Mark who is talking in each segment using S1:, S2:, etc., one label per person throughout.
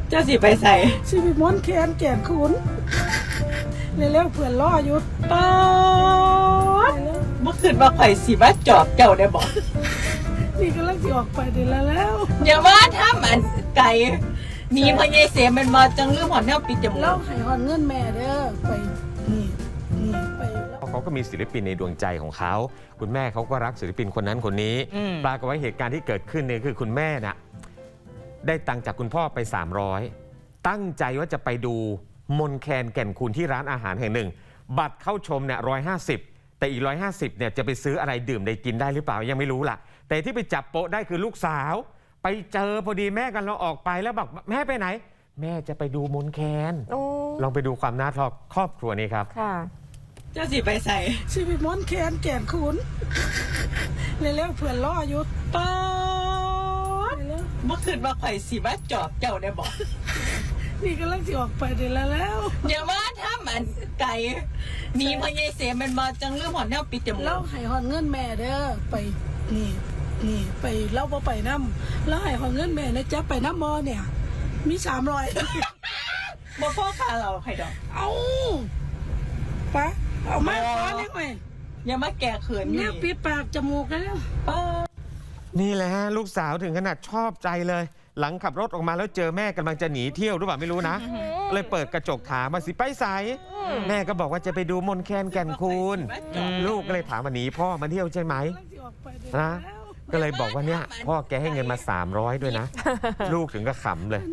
S1: เจ้าสิไปใส่
S2: ชีวิตม้วนแคนแก่นขุนเร็วๆเพื่อนล่ออยู่
S1: ป๊าดเมื่อคืนมาไข่สิมาจอบเจ้าได้บอก
S2: นี่ก็ลังสิออกไปเดี๋ยวแล้ว
S1: อย่าว่าถ้ามันไก่หนีพญายเสียมันมาจังลืมหอนแนวปิดจมู
S2: เรา
S1: ก
S2: ให้หอนเงินแม่เด้อไปนี่ไปแล้ว
S3: เขาก็มีศิลปินในดวงใจของเขาคุณแม่เขาก็รักศิลปินคนนั้นคนนี้ปรากฏว่าเหตุการณ์ที่เกิดขึ้นเนี่ยคือคุณแม่น่ะได้ตังค์จากคุณพ่อไป300ตั้งใจว่าจะไปดูมนแคนแก่นคูณที่ร้านอาหารแห่งหนึ่งบัตรเข้าชมเนี่ย150แต่อีก150เนี่ยจะไปซื้ออะไรดื่มได้กินได้หรือเปล่ายังไม่รู้ล่ะแต่ที่ไปจับโป๊ะได้คือลูกสาวไปเจอพอดีแม่กันเราออกไปแล้วบอกแม่ไปไหนแม่จะไปดูมนแคนลองไปดูความน่ารักครอบครัวนี้ครับ
S4: ค่ะ
S1: เจ้าสิไปใส่
S2: ชีวิตม้วนแคนแก่นขุนเร็วๆเพื่อนล่ออยู่
S1: ป๊าดเมื่อคืนมาไข่สิมาจอบเจ้าได้บอก
S2: นี่ก็ลังสิออกไปเดี๋ยวแล้ว
S1: อย่าว่าถ้ามันไก่หนีพญายเสียมันมาจังลืมหอนแนวปิดจมู
S2: เรา
S1: ก
S2: ให้หอนเงินแม่เด้อไปนี่ไปเราบ่ไปน้ำแล้วให้หอนเงินแม่นะจ๊ะไปน้ำมอเนี่ยมี300
S1: บ่พ่อขาเราใครดอก
S2: เอาปะเอามาขอนี่ไหม
S1: อย่ามาแก่เขินอยู่
S2: เนี่ยปิดปากจมูกแล้ว
S1: ป๊าด
S3: นี่แหละฮะลูกสาวถึงขนาดชอบใจเลย หลังขับรถออกมาแล้วเจอแม่กำลังจะหนีเที่ยวหรือเปล่าไม่รู้นะเลยเปิดกระจกถามมาสิไปใสแม่ก็บอกว่าจะไปดูมนแคนแก่นคูณลูกก็เลยถามมาหนีพ่อมาเที่ยวใช่ไหมนะก็เลยบอกว่าเนี่ยพ่อแกให้เงินมา300ด้วยนะลูกถึงก็ขำเลย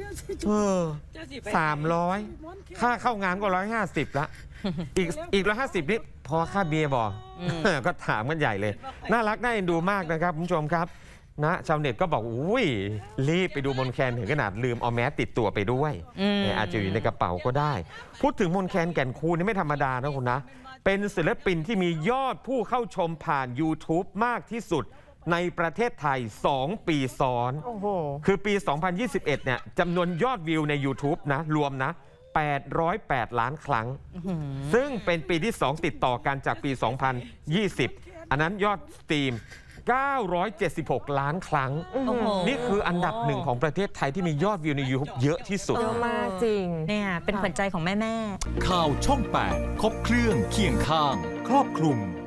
S3: 300ค่าเข้างานก็150ละอีก150นี่พอค่าเบียร์บอกก็ถามกันใหญ่เลยน่ารักน่าเอ็นดูมากนะครับคุณผู้ชมครับนะชาวเน็ตก็บอกอุ้ยรีบไปดูมนแคนถึงขนาดลืมเอาแมสติดตัวไปด้วยอาจจะอยู่ในกระเป๋าก็ได้พูดถึงมนแคนแก่นคูณนี่ไม่ธรรมดานะคุณนะเป็นศิลปินที่มียอดผู้เข้าชมผ่าน YouTube มากที่สุดในประเทศไทย2ปีซ้อนคือปี 2021 เนี่ยจำนวนยอดวิวใน YouTube นะรวมนะ808 ล้านครั้งซึ่งเป็นปีที่2ติดต่อกันจากปี 2020 อันนั้นยอดสตรีม976 ล้านครั้งนี่คืออันดับหนึ่งของประเทศไทยที่มียอดวิวใน YouTube เยอะที่สุด
S4: เยอะมากจริงเนี่ยเป็นขวัญใจของแม่
S5: ข่าวช่อง 8 ครบเครื่องเคียงข้าง ครอบคลุม